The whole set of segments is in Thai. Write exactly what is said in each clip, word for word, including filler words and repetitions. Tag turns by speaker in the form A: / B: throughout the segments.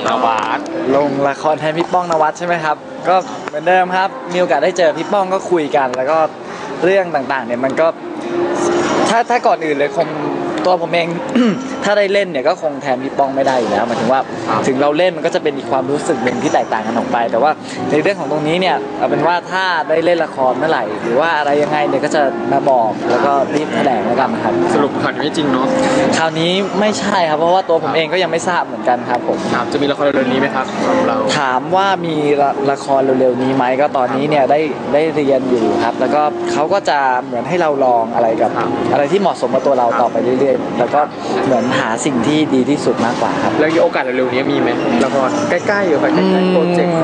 A: นวัด
B: ลงละครแทนพี่ป้องนวัดใช่ไหมครับก็เหมือนเดิมครับมีโอกาสได้เจอพี่ป้องก็คุยกันแล้วก็เรื่องต่างๆเนี่ยมันก็ถ้าถ้าก่อนอื่นเลยคงตัวผมเอง ถ้าได้เล่นเนี่ยก็คงแทนพี่ป้องไม่ได้อยู่แล้วหมายถึงว่าถึงเราเล่นมันก็จะเป็นอีกความรู้สึกหนึ่งที่แตกต่างกันออกไปแต่ว่าในเรื่องของตรงนี้เนี่ยเอาเป็นว่าถ้าได้เล่นละครเมื่อไหร่หรือว่าอะไรยังไงเนี่ยก็จะมาบอกแล้วก็รีบแถลงแล้วกันครับ
A: สรุปข่าวนี้ไม่จริงเนาะ
B: คราวนี้ไม่ใช่ครับเพราะว่าตัวผมเองก็ยังไม่ทราบเหมือนกันครับผม
A: ถามจะมีละครเร็วๆนี้ไหมครับของเรา
B: ถามว่ามีละครเร็วๆนี้ไหมก็ตอนนี้เนี่ยได้ได้เรียนอยู่ครับแล้วก็เขาก็จะเหมือนให้เราลองอะไรกับอะไรที่เหมาะสมกับตัวเราต่อไปเรื่อยๆแล้วก็เหมือนหาสิ่งที่ดีที่สุดมากกว่าครับ
A: แล้วโอกาสเร็วๆนี้มีไหมละครใกล้ๆอยู่ใกล้ๆโปรเจกต์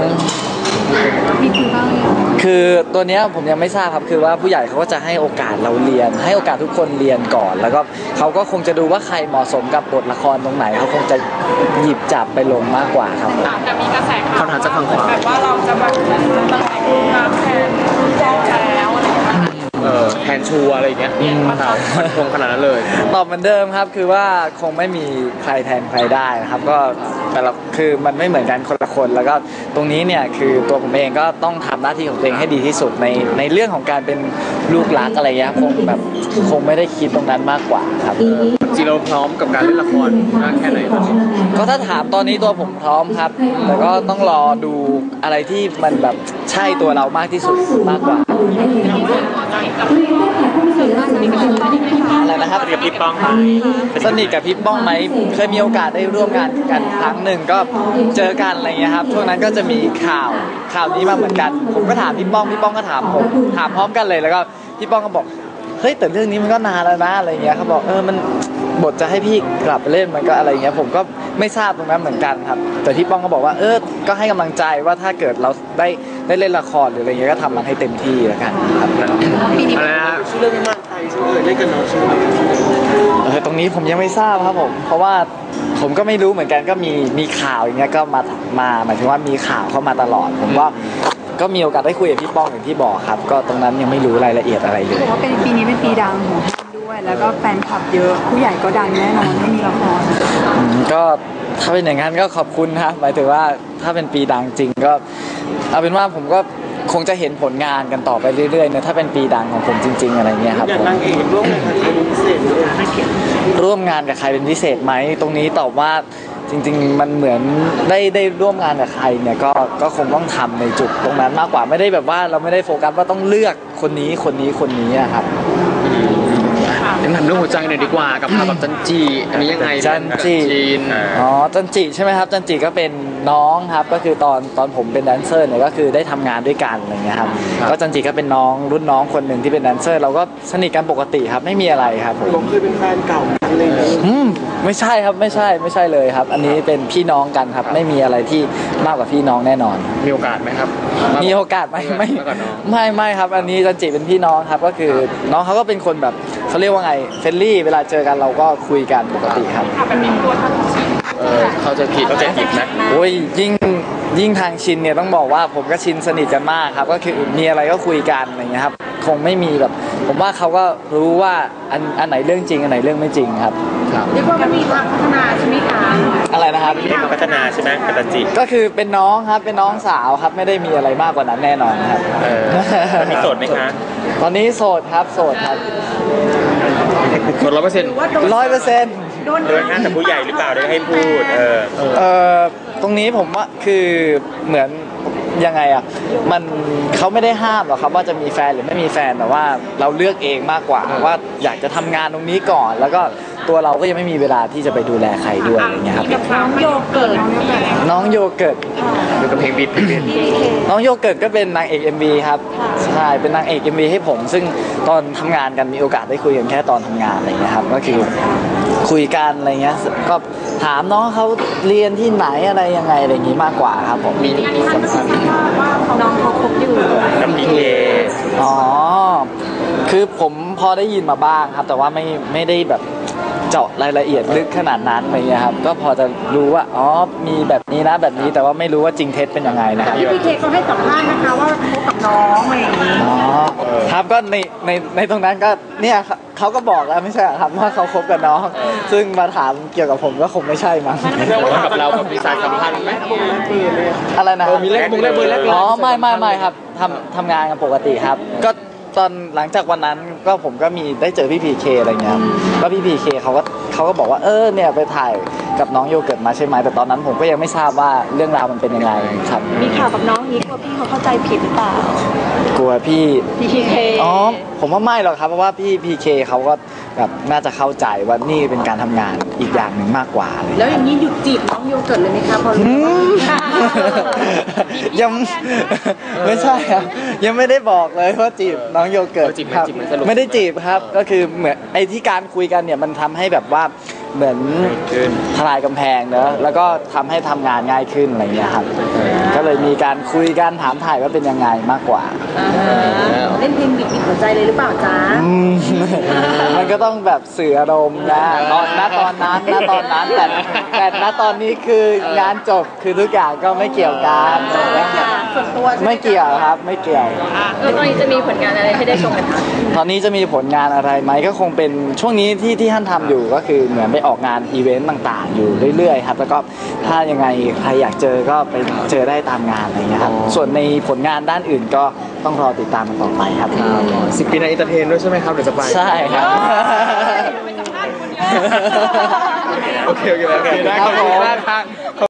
B: คือตัวเนี้ยผมยังไม่ทราบครับคือว่าผู้ใหญ่เขาก็จะให้โอกาสเราเรียนให้โอกาสทุกคนเรียนก่อนแล้วก็เขาก็คงจะดูว่าใครเหมาะสมกับบทละครตรงไหนเขาคงจะหยิบจับไปลงมากกว่าครับ
C: แต่มีกระแส
A: ข่าวจากทางขวา
C: แบบว่าเราจะแบบตำแหน่งงานแทนแจ้งแล้วอะไรอย่างเงี้ย
A: เออแทนชัวอะไรอย่างเงี้ยข่าวมันคงขนาดนั้นเลย
B: ตอบเหมือนเดิมครับคือว่าคงไม่มีใครแทนใครได้นะครับก็แต่ละคือมันไม่เหมือนกันคนละคนแล้วก็ตรงนี้เนี่ยคือตัวผมเองก็ต้องทำหน้าที่ของตัวเองให้ดีที่สุดในในเรื่องของการเป็นลูกรักอะไรเงี้ยคงแบบคงไม่ได้คิดตรงนั้นมากกว่าครับ
A: จริงเราพร้อมกับการเล่นละครมากแค่ไหนตอนนี้
B: ก็ถ้าถามตอนนี้ตัวผมพร้อมครับแต่ก็ต้องรอดูอะไรที่มันแบบใช่ตัวเรามากที่สุดมากกว่าอะไรนะครับ
A: กับพี่ป้อง
B: สนิทกับพี่ป้องไหมเคยมีโอกาสได้ร่วมงานกันครั้งหนึ่งก็เจอกันอะไรเงี้ยครับช่วงนั้นก็จะมีข่าวข่าวนี้มาเหมือนกันผมก็ถามพี่ป้องพี่ป้องก็ถามผมถามพร้อมกันเลยแล้วก็พี่ป้องก็บอกเฮ้ยแต่เรื่องนี้มันก็นานแล้วนะอะไรเงี้ยเขาบอกเออมันบทจะให้พี่กลับไปเล่นมันก็อะไรเงี้ยผมก็ไม่ทราบตรงนั้นเหมือนกันครับแต่พี่ป้องก็บอกว่าเออก็ให้กำลังใจว่าถ้าเกิดเราได้ได้เล่นละครหรืออะไรเงี้ยก็ทำมันให้เต็มที่แล้วกันครับ
A: อะไรนะชื่อเรื่องมากไทยชื่อเล่นกันเนาะชื่อ
B: เออตรงนี้ผมยังไม่ทราบครับผมเพราะว่าผมก็ไม่รู้เหมือนกันก็มีมีข่าวอย่างเงี้ยก็มามาหมายถึงว่ามีข่าวเข้ามาตลอดผมว่าก็มีโอกาสได้คุยกับพี่ป้องอย่างที่บอกครับก็ตรงนั้นยังไม่รู้รายละเอียดอะไรเลย
D: บอกว่าเป็นปีนี้เป็นปีดังของด้วยแล้วก็แฟนคลับเยอะผู้ใหญ่ก็ดังแน่นอนไม่มีละคร
B: ก็ถ้าเป็นอย่างนั้นก็ขอบคุณครับหมายถึงว่าถ้าเป็นปีดังจริงก็เอาเป็นว่าผมก็คงจะเห็นผลงานกันต่อไปเรื่อยๆนะถ้าเป็นปีดังของผมจริงๆอะไรเงี้ยครับ
A: ผมอยากนั่งเองร่วมงานกับใครเป็นพิเศษ
B: ร่วมงานกับใครเป็นพิเศษไหมตรงนี้ตอบว่าจริงๆมันเหมือนได้ได้ร่วมงานกับใครเนี่ยก็ก็คงต้องทำในจุดตรงนั้นมากกว่าไม่ได้แบบว่าเราไม่ได้โฟกัสว่าต้องเลือกคนนี้คนนี้คนนี้ครับ
A: ยังถามเรื่องหัวใจหน่อยดีกว่ากับข่าวกับจันจีอันนี้ยังไง
B: จันจีอ๋อจันจีใช่ไหมครับจันจีก็เป็นน้องครับก็คือตอนตอนผมเป็นแดนเซอร์เนี่ยก็คือได้ทำงานด้วยกันอะไรเงี้ยครับก็จันจีก็เป็นน้องรุ่นน้องคนหนึ่งที่เป็นแดนเซอร์เราก็สนิทกันปกติครับไม่มีอะไรครับ
A: ผมเคยเป็นแฟนเก่ากันเลย
B: อืมไม่ใช่ครับไม่ใช่ไม่ใช่เลยครับอันนี้เป็นพี่น้องกันครับไม่มีอะไรที่มากกว่าพี่น้องแน่นอน
A: มีโอกาสไหมครับ
B: มีโอกาสไหมไม่ไม่ไม่ครับอันนี้จันจีเป็นพี่น้องครับก็คือน้องเขาก็เป็นคนแบบเขาเรียกว่าไงเฟรนลี่เวลาเจอกันเราก็คุยกันปกติครับ
A: เออเขาจะผิดเขาจะผิดนะ
B: โอ้ยยิ่งยิ่งทางชินเนี่ยต้องบอกว่าผมกับชินสนิทกันมากครับก็คือมีอะไรก็คุยกันอะไรเงี้ยครับคงไม่มีแบบผมว่าเขาก็รู้ว่าอันอันไหนเรื่องจริงอันไหนเรื่องไม่จริงครับ
C: เรียกว่ามันมีทางพัฒนาใช่ไหมคะ
B: อะไรนะครับ
A: มีทางพัฒนาใช่ไหมกับจันจี
B: ก็คือเป็นน้องครับเป็นน้องสาวครับไม่ได้มีอะไรมากกว่านั้นแน่นอนครับ
A: เออมีโสดไหมคะ
B: ตอนนี้โสดครับโสดครับ
A: โสดร้อยเปอร์เซ็นต์
B: ร้อยเปอร์เซ็นต์
A: โดนงานแต่ผู้ใหญ่หรือเปล่าได้ให้พูดเออ
B: เออตรงนี้ผมว่าคือเหมือนยังไงอ่ะมันเขาไม่ได้ห้ามหรอกครับว่าจะมีแฟนหรือไม่มีแฟนแต่ว่าเราเลือกเองมากกว่าว่าอยากจะทำงานตรงนี้ก่อนแล้วก็ตัวเราก็ยังไม่มีเวลาที่จะไปดูแลใครด้วยอย่างเงี้ยครับ
C: น้องโยเกิร์ต
B: น้องโยเกิร์ต
A: อยู่กับเพลงบิด
B: น้องโยเกิร์ตก็เป็นนางเอก เอ็ม วี ครับใช่เป็นนางเอก เอ็ม วี ให้ผมซึ่งตอนทำงานกันมีโอกาสได้คุยกันแค่ตอนทำงานอะไรเงี้ยครับก็คือคุยกันอะไรเงี้ยก็ถามน้องเขาเรียนที่ไหนอะไรยังไงอะไรอย่างงี้มากกว่าครับผม
C: มีสัมพันธ์ว่าน้องเขาคบอยู่
A: กับพีเค
B: อ๋อคือผมพอได้ยินมาบ้างครับแต่ว่าไม่ไม่ได้แบบเจาะรายละเอียดลึกขนาดนั้นอะไรเงี้ยครับก็พอจะรู้ว่าอ๋อมีแบบนี้นะแบบนี้แต่ว่าไม่รู้ว่าจริงเท็จเป็นยังไงนะครับ
C: พี่เคเขาให้สัมภาษณ์นะคะว่าคบกับน้องอะไรอย่างนี้
B: อ๋อครับก็ในในในตรงนั้นก็เนี่ยเขาก็บอกแล้วไม่ใช่เหรอครับว่าเขาคบกับน้อง ซึ่งมาถามเกี่ยวกับผมก็คงไม่ใช่มั้ง
A: แต่ว่ากับเรากับพี่สายสัมพันธ์ไหม
B: อะไรนะ
A: เออมีเลขมุงเลขเบอร์เลขไลน์
B: อ๋อไม่ไม่ไม่ครับทำทำงานกันปกติครับ ก็ตอนหลังจากวันนั้นก็ผมก็มีได้เจอพี่พีเคอะไรเงี้ยครับก็พี่พีเคเขาก็เขาก็บอกว่าเออเนี่ยไปถ่ายกับน้องโยเกิร์ตมาใช่ไหมแต่ตอนนั้นผมก็ยังไม่ทราบว่าเรื่องราวมันเป็นยังไงครับ
E: มีข่าวกับน้องนี้กลัวพี่เขาเข้าใจผิดหรือเปล่าก
B: ลัวพี่
E: พีเค
B: อ๋อผมว่าไม่หรอกครับเพราะว่าพี่พีเคเขาก็แบบน่าจะเข้าใจว่านี่เป็นการทำงานอีกอย่างหนึ่งมากกว่าเลย
E: แล้วอย่างนี้หยุดจีบน้องโยเกิร์ตเลยไหมคะพอรู้ว่า
B: ยังไม่ใช่ครับยังไม่ได้บอกเลยว่าจีบน้องโยเกิร์ต
A: เออจีบไหม
B: ครับ
A: จีบไหมสรุป
B: ไม่ได้จีบครับก็คือเหมือนไอ้ที่การคุยกันเนี่ยมันทำให้แบบว่าเหมือน
A: ขึ้น
B: ทลายกำแพงเนอะแล้วก็ทำให้ทำงานง่ายขึ้นอะไรเงี้ยครับก็เลยมีการคุยกันถามถ่ายว่าเป็นยังไงมากกว่า
E: เล่นเพลงบิดบิดหัวใจเลยหรือเปล่าจ๊ะ
B: อืม มันก็ต้องแบบสื่ออารมณ์นะตอนณตอนนั้นณตอนนั้นแต่แต่ณตอนนี้คืองานจบคือทุกอย่างก็ไม่เกี่ยวกัน
E: ส่วนตัวใช่ไหม
B: ไม่เกี่ยวครับไม่เกี่ยว
E: แล้วตอนนี้จะมีผลงานอะไรให้ได้ชมกันคะ
B: ตอนนี้จะมีผลงานอะไรไหมก็คงเป็นช่วงนี้ที่ที่ท่านทำอยู่ก็คือเหมือนไปออกงานอีเวนต์ต่างๆ อยู่เรื่อยๆครับแล้วก็ถ้ายังไงใครอยากเจอก็ไปเจอได้ตามงานอะไรเงี้ยครับส่วนในผลงานด้านอื่นก็ต้องรอติดตามกันต่อไปครับ
A: สิบปีในอินเตอร์เทนด้วยใช่ไหมครับเดี๋ยวจะไป
B: ใช่ครับ
A: โอเคโอเคโอเคได้ขอบคุณมากครับ